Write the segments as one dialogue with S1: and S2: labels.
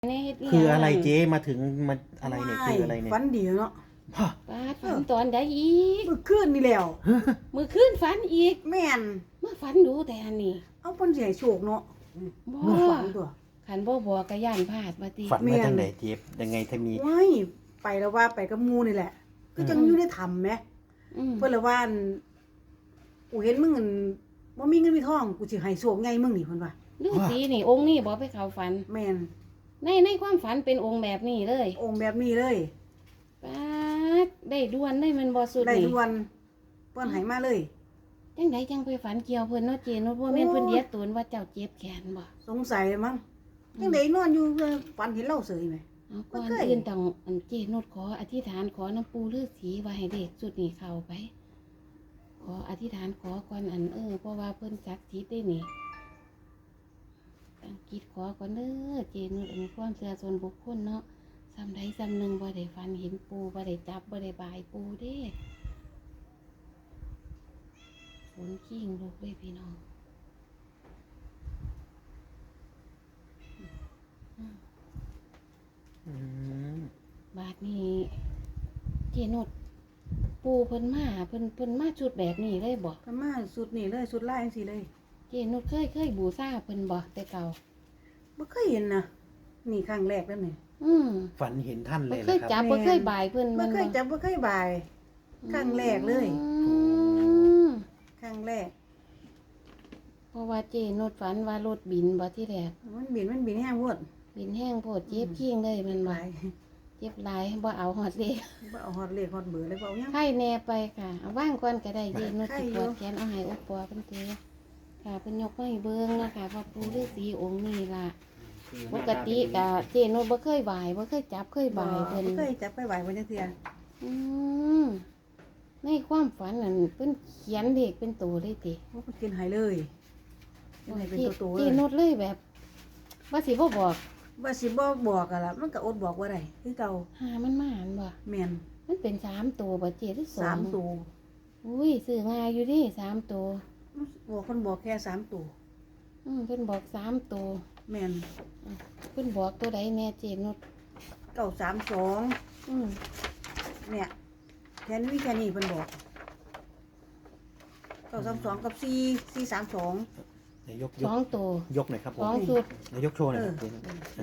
S1: ในเฮ็ดอีห
S2: คือ
S1: ยัง
S2: อะไรเจ๊มาถึงมาอะไรเนี่ยคืออะไรเนี่ย
S3: ฝันดีเนาะ
S2: ฮะ
S1: ปาดฝันตอนใดอีก
S3: เมื่อคืนนี่แล้ว
S1: มื้อคืนฝันอีก
S3: แม่น
S1: มาฝันดูแต่อันนี้
S3: เอาเพิ่นสิให้โชคเนาะ
S1: บ่
S3: มาฝันตัว
S1: คันบ่บอกก็ย่านพลาดว่าติ
S2: ฝันมาทางไหนเจ๊ยังไงถ้ามี
S3: ว้ายไปแล้วว่าไปกับหมู่นี่แหละก็จังอยู่ในถ้ำแหม
S1: อืม
S3: เพิ่นละว่ากูเห็นมึงอั่นบ่มีเงินมีทองกูสิให้โชคใหญ่มึงนี่เพิ่นว่า
S1: ฤาษีนี่องค์นี้บ่ไปเข้าฝัน
S3: แม่น
S1: ในความฝันเป็นองค์แบบนี้เลย
S3: องค์แบบนี้เลย
S1: ปาดได้ด่วนได้มันบ่สุด
S3: ได้
S1: นี่
S3: ทุกวันเพิ่นให้มาเลย
S1: จังไดจังไปฝันเกี่ยวเพิ่นเนาะเจเนาะบ่แม่นเพิ่นเดียดตูนว่าเจ้าเจ็บแขนบ่
S3: สงสัยมั้งจังได๋นอนอยู่ฝันเห็นเราเสยไหม
S1: เอาก่อน
S3: บ่เคย
S1: อื่นต้องอันเจนุดขออธิษฐานขอน้ำปูฤาษีว่าให้เด็กสุดนี่เข้าไป ขออธิษฐานขอก่อนอันเพราะว่าเพิ่นศักดิ์สิทธิ์ได้นี่ตั้งจิตขอก่อนเด้อเจนุดอันนี้ความเชื่อส่วนบุคคลเนาะซ้ำใดซ้ำหนึ่งบ่ได้ฝันเห็นปูบ่ได้จับบ่ได้บายปูเด้ฝนขี้งลูกเลยพี่น้อง
S2: อืม
S1: บาดนี้เจนุดปูเพิ่นมาเพิ่นมาชุดแบบนี้เลยบ่
S3: เพิ่นมาสุดนี่เลยสุดลายจังซี่เลย
S1: เจนุดเคยบูชาเพิ่นบ่แต่เก่า
S3: บ่เคยเห็นนะนี่ครั้งแรกแล้วนี่
S1: อืม
S2: ฝันเห็นท่านเล
S1: บ่
S2: ย
S1: เคย
S2: นะค
S1: จั
S2: รั
S1: บบ บ่เคยบายเพิ่น
S3: บ่
S1: แม่น
S3: เคยจับบ่เคยบาย ครั้งแรกเลย
S1: อืม
S3: ครั้งแรก
S1: เพราะว่าเจนุดฝันว่ารถบินบ่ที่แรก
S3: มันบินแห้งโพด
S1: บินแห้งโพดเจ็บขี้งเลยแมัน
S3: ห
S1: บ่
S3: ลาย
S1: เจ็บหลายบ่เอาฮอดเด้
S3: บ่เอาฮอดเลขฮอดเบอร์เลยบ่เอาหยัง
S1: ไข้แน่ไปค่ะเอาว่างก่อนก็ได้เจนุด
S3: ไข้
S1: สิ
S3: อยู่
S1: ปวดแขนเอาให้อุปปัวเพิ่นเตค่ะเพิ่นยกมาให้เบิ่งนะคะว่าปู่ฤาษีองค์นี้ล่ะปกติก็เจนุดบ่เคยบายบ่เคยจับเคยบายเพิ่น
S3: บ่เคยจับไปไหวบ่จังเทื่อ
S1: อืมในความฝันนั่นเพิ่นเขียนเลขเป็นตัวเลยติ
S3: บ่เพิ่นกินให้เลยกินให้เป็นตัวๆ
S1: เจ
S3: เลย
S1: นุดเลยแบบ ว่าสิบ่บอก
S3: ว่าสิบ่บอกอะล่ะมันก็อดบอกบ่ได้คือเก่า
S1: หามันมาหันบ่
S3: แม่น
S1: มันเป็น3ตัวบ่เจหรือ2
S3: 3ตัว
S1: อุ้ยซื้อง่ายอยู่ดิ3ตัว
S3: บอกเพิ่นบอกแค่3ตัว
S1: เพิ่นบอก3ตัว
S3: แม่น
S1: เพิ่นบอกตัวใดแน่เจนุด
S3: 932
S1: อืม
S3: เนี่ยแค่นี้แค่นี้เพิ่นบอก932กับ4432
S2: นายก
S1: สองตัวย
S2: กหน่อยครับผ
S1: ส
S2: ม
S1: องชุด
S2: นายกโชว์หน่อยครับเจ๊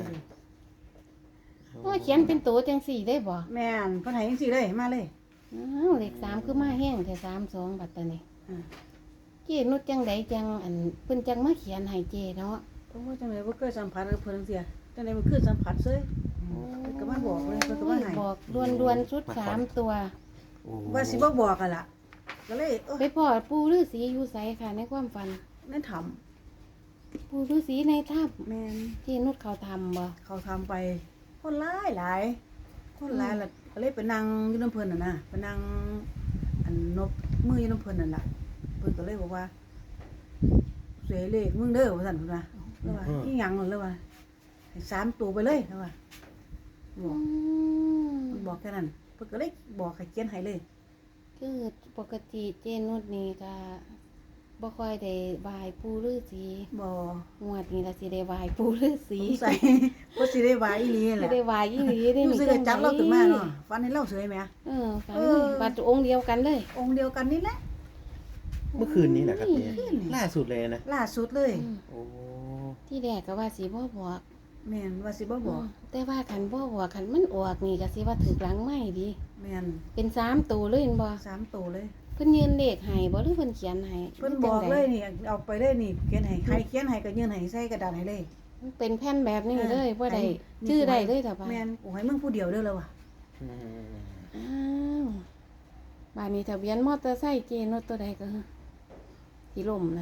S1: โอ้ยเขียนเป็นตัวจังสี่ได้บ่
S3: แม่นเพิ่นให้จังซี่เลยมาเลย
S1: อ้าวเลข3คือมาแห้งแต่32บัดตานี้
S3: อืม
S1: เจนุดจังใดจังอันเพิ่นจังมาเขียนให้เจเนาะ
S3: โอ้ยจังได๋บ่เคยสัมผัสกับเพิ่นจังซี่จังได๋มันคือสัมผัสเซ้ย เพิ่นก็มาบอกเลยเพิ่นก็มาให้
S1: บอกดวนๆชุด3ตัว
S2: โอ้
S3: ว่าสิบ่บอกกันล่ะก็เลย
S1: ไปพ่อปู่ฤาษีอยู่ไสค่ะในความฝัน
S3: นั่นทำ
S1: ปู่ฤาษีในถ้ำ
S3: แม่น
S1: ที่นุชเขาทำบ่
S3: เขาทำไป คนหลายคนหลายล่ะก็เลยไปนั่งอยู่น้ำเพิ่นน่ะนะไปนั่งอันนบมืออยู่น้ำเพิ่นนั่นล่ะเพิ่นก็เลยบอกว่าเสยเลขมึงเด้อว่าซั่นเพิ่นว่าแล้วว่าอีหยังนั่นแล้วว่าให้3ตัวไปเลยแล้วว่าบอกเพิ่นบอกแค่นั้นเพิ่นก็เลยบอกให้เขียนให้เลย
S1: คือปกติเจนุชนี่ก็บ่ค่อยได้บายปู่ฤาษี
S3: บ่
S1: งวดนี้ล่ะสิได้บายปู่ฤาษี
S3: สงสัยว่าสิได้ว่าอีหลีนั่นแห
S1: สิ
S3: ละ
S1: ได้บายอีหลีได้
S3: รู้สึกว่าจับเราขึ้นมาเนาะฟันให้เราเสยแหม
S1: ฝันบัดองค์เดียวกันเลย
S3: องค์เดียวกันนี่แหละ
S2: เมื่อคืนนี้แหละครับเจ๊
S3: เมื่อคืนนี่
S2: ล่าสุดเลยนะ
S3: ล่าสุดเลย
S1: อืม
S2: โอ้
S1: ที่แรกก็ว่าสิบ่บอก
S3: แม่นว่าสิบ่บอก
S1: แต่ว่าคันบ่บอกคันมันออกนี่ก็สิว่าถึกหลังไม้ดี
S3: แม่น
S1: เป็น3ตัวเลยเห็นบ่
S3: 3ตัวเลย
S1: เพิ่นยืนเลขให้บ่หรือเพิ่นเขียนให้
S3: เพิ่นบอกเลยนี่เอาไปเลยนี่เขียนให้ใครเขียนให้ก็ยื่นให้ใส่กระดาษให้เลย
S1: มันเป็นแผ่นแบบนี้เลยบ่ได้
S3: ให้
S1: ชื่อได้เลยแต่ว่า
S3: แม่นกูให้มึงผู้เดียวเด้อแล้วว่ะ
S2: อืม
S1: อ้าวบ้านนี้ทะเบียนมอเตอร์ไซค์เจนรถตัวใดก็ที่ล่มนะ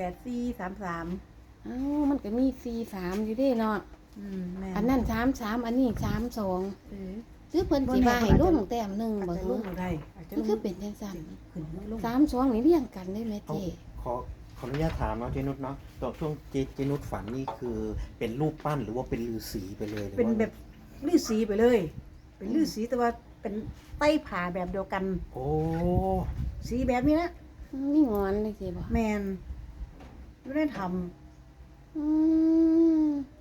S3: 8433
S1: อ้าวมันก็มี43อยู่เด้เนาะ
S3: แม่น
S1: อันนั้น33อันนี้32
S3: เออ
S1: คือเพิ่นสิว่าให้ลงแต้มหนึง
S3: อาจ
S1: บ่
S3: จะ
S1: ฮะ
S3: ลงบ่ได้อาจจะล
S1: มัน
S3: ง
S1: คือเป็นจังซั่น
S3: ขึ้นไม่ลง
S1: 32นี่เรียงกันได้ไหม
S2: เอา
S1: เจ
S2: ขออนุญาตถามเนาะเจนุชเนาะตอนช่วงเจนุชฝันนี่คือเป็นรูปปั้นหรือว่าเป็นฤาษีไปเลยหรือ
S3: เป็น
S2: ว่า
S3: แบบฤาษีไปเลย เป็นฤาษีแต่ว่าเป็นไต้ผ่าแบบเดียวกัน
S2: โอ้
S3: สีแบบนี้นะ
S1: มีงอนเลยสิบ่
S3: แม่นอยู่ได้ทำ
S1: อืม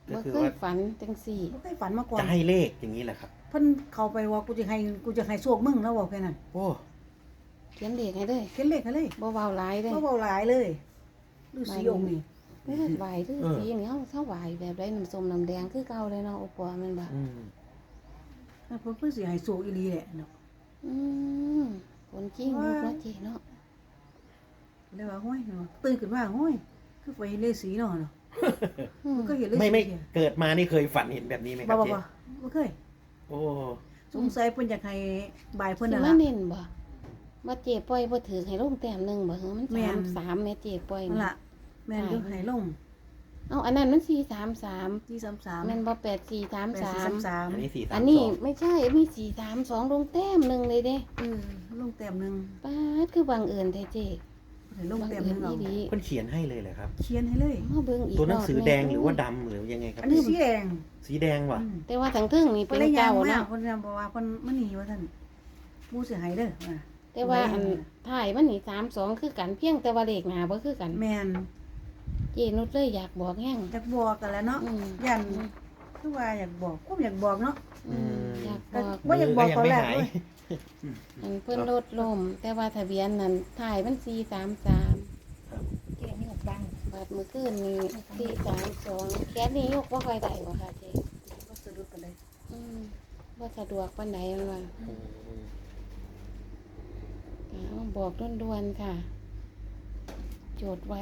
S2: ก็
S1: บ่
S2: คือ
S1: เคย
S2: ว่า
S1: ฝันจังสี่
S3: บ่เคยฝันมาก่อน
S2: จะให้เลขอย่างนี้แหละครับ
S3: เพิ่นเข้าไปว่ากูจะให้โชคมึงแล้วบอกแค่นั้น
S2: โอ้
S1: เขียนเด็กให้เลย
S3: เขียนเลขให้เลย
S1: บ่เว้าหลายเลย
S3: บ่เว้าหลายเลยฤาษีองค์นี่
S1: เลือดไหวหรือสีอย่างเงี้ยเขาไหวแบบไรน้ำส้มน้ำแดงคือเก่าเลยเนาะโอปัวแมันบ่
S2: อืม
S3: แล้วเพิ่นสิให้โชคอีหลีแหละเนาะ
S1: อืมคนจริงลูกเนาะเจเนาะ
S3: เลยว่าห้อยเนาะตื่นขึ้นมาห้อยคือไปเห็นฤาษีเนาะ
S1: อืม
S3: มันก็เห็นฤาษี
S2: ไม่เกิดมานี่เคยฝันเห็นแบบนี้ไหมค
S3: บ่
S2: รับ
S3: บ่
S2: เจ๊
S3: บ่เคย
S2: โอ้
S3: สงสัยเพิ่นอยากให้บายเพิ่น
S1: สิ
S3: นั่น
S1: มา
S3: ล่ะ
S1: เน้นบ่มาเจปล่อยบ่ถือให้ลงแต้มหนึงบ่เหรอมัน
S3: แม่น
S1: 3แม่เจปล่อย
S3: นั่น
S1: นี่
S3: ล่ะแม่นอยู่ให้ลง
S1: เอาอันนั้นมัน433
S3: 433
S1: แม่นบ่8433
S2: อันนี้
S3: 8433
S2: 432
S1: อันนี้ไม่ใช่มี432ลงแต้มหนึงเลยเด้
S3: ลงแต้มหนึง
S1: ป๊าดคือบังเอิญแท้เจ
S3: ให้ลง
S1: บัง
S3: แต้ม
S1: เอิ
S3: หนึ
S1: ญ
S3: งเอา
S1: อีหลี
S2: เพิ่นเขียนให้เลยเหรอครับ
S3: เขียนให้เลย
S1: มาเบิ่งอีก
S2: ตัวหนังสือ
S1: รบ
S2: แดงหรือว่าดำหรือยังไงครับ
S3: อันนี้สีแดง
S2: สีแดงว่ะ
S1: แต่ว่าทั้งเทึงนี่
S3: เพิ่
S1: เป็น น
S3: ได้ยาง
S1: เก่า
S3: มา
S1: เนาะ
S3: เพิ่นยังบอกว่าเพิ่นมันหนีว่าท่านผู้เสียหายเด้อว่า
S1: แต่ว่าอันถ่ายมันนี่32คือกันเพียงแต่ว่าเลขหน้าบ่คือกัน
S3: แม่น
S1: เจนุชเลยอยากบอกแห้ง
S3: อยากบอกกันแหล้วเนาะ
S1: อืม
S3: ยันคือว่าอยากบอกก็อยากบอกเนาะ
S1: อืมอยากบ
S3: ก็
S1: อก
S3: บ่อยากบอกตอนแรก
S2: มื
S3: เลย
S1: อันเพิ่นรถลมแต่ว่าทะเบียนนั้นถ่ายมัน433
S4: เจ๊นี่หกดัง
S1: บาดมื้อคืนนี้432แค่นี้ยกบ่ค่อยได้บ่ค่ะเจ
S3: ก็สะดุดกันเลย
S1: อืมบ่สะดวกปานใดมันว่าเอาบอกด่วนๆค่ะ โจทย์ไว้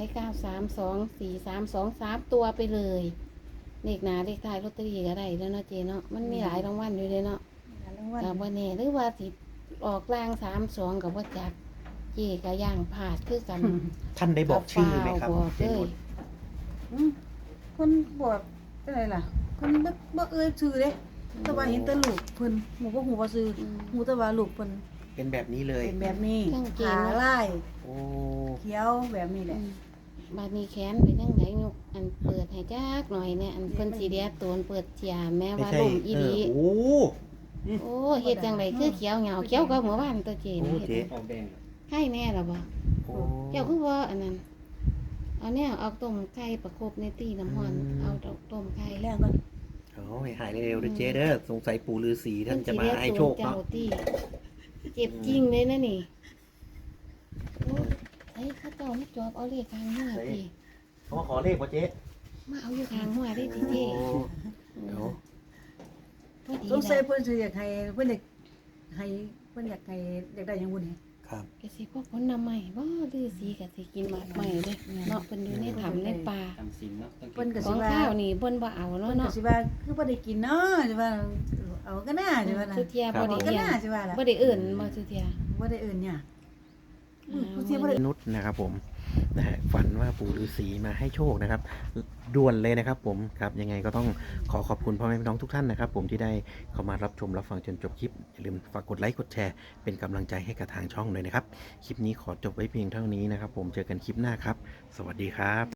S1: 9324323ตัวไปเลยเลขหน้าเลขท้ายลอตเตอรี่ก็ได้แล้วเนาะเจเนาะมันมีหลายรางวัลอยู่เลยเนาะ
S3: รางวัล
S1: กับว่าแน่หรือว่าสิออกล่าง32กับว่าจักเจก็ย่างผาดคือกัน
S2: ท่านได้บอกชื่อไหมครับ
S1: บอก
S2: เจ
S1: เล
S2: นุ
S1: ย
S2: ช
S3: คนบอกเป็นไรล่ะคนบ่เอ่ยชื่อเด้แต่ว่าเห็นแต่ลูกเพิ่นหมู่บ่ฮู้ว่าชื่อฮู้แต่ว่าลูกเพิ่น
S2: เป็นแบบนี้เลย
S3: เป็นแบบนี้
S1: เครื่องเกง
S3: ขาลาย
S2: โอ้
S3: เขียวแบบนี้แหละ
S1: บาดนี้แขนเป็นจังไดยกอันเปิดให้จักหน่อยเนี่ยอันเพิ่นสิเดียโตนเปิดเจียแม้
S2: ไม่
S1: ว่า
S2: ใช่
S1: ลมอีหลี
S2: โอ้
S1: โอ้เฮ็ดจังไดคือเขียวเหงาเขียวก็เมื่อวานตัวเจ
S2: โอ้
S1: นี่
S2: เจ๊
S4: ออกแดง
S1: ไข่แน่ล่ะบ่
S2: โอ้
S1: เจ้าคือว่าอันนั้นเอาแนวเอาต้มไข่ประคบในตีน้ำร้อนเอาต้มไข่
S3: แรกก็
S2: โอ้ยหายเร็วๆด้วยเจ๊เด้อสงสัยปู่ฤาษีท่านจะมาให้โชค
S1: เจ้า
S2: เนาะ
S1: ตีเจ็บจริงเลยนะนี่โอ้ไอ้ข้าเจ้าไม่จอบเอาเลขทางหัวตี
S2: เขามาขอเลขป่ะเจ๊
S1: มาเอาอยู่ทางหัวได้ทีเจ
S2: โอ้เดี๋ยว
S1: พอดี
S3: สงสัย
S1: นะ
S3: เพิ่นสิอยากให้เพิ่นอยากให้เพิ่นอยากให้อยากได้หยังบุญนี่
S2: ครับ
S1: กสิพวกคนนำใหม่บ่ดื้อสีกสิกินหมากใหม่เด้เนาะเพิ่นอยู่ในถ้ำในป่า
S4: ทำสินเนาะต้อง
S3: เพิ่นก็
S1: ข
S3: สิ
S1: อง
S3: ว่า
S1: ข้าวนี่เพิ่นบ่เอา
S3: เพิ่
S1: เนาะ
S3: นก็
S1: เนาะ
S3: สิว่าคือบ่ได้กินเนาะสิว่าเอาก็น่าสิว่าล่ะ
S1: สุเทียบ่
S3: เอา
S1: ได้
S3: ก็
S1: เลี้ยง
S3: น่าสิว่าล่ะ
S1: บ่ได้เอิ่นบ่สุเทีย
S3: บ่ได้เอิ้นเนี่ย
S1: อ่า
S3: ผู้ที่บ่ได้
S2: นุชนะครับผมนะฮะฝันว่าปู่ฤาษีมาให้โชคนะครับด่วนเลยนะครับผมครับยังไงก็ต้องขอขอบคุณพ่อแม่พี่น้องทุกท่านนะครับผมที่ได้เข้ามารับชมรับฟังจนจบคลิปอย่าลืมฝากกดไลค์กดแชร์เป็นกำลังใจให้กับทางช่องเลยนะครับคลิปนี้ขอจบไว้เพียงเท่านี้นะครับผมเจอกันคลิปหน้าครับ สวัสดีครับ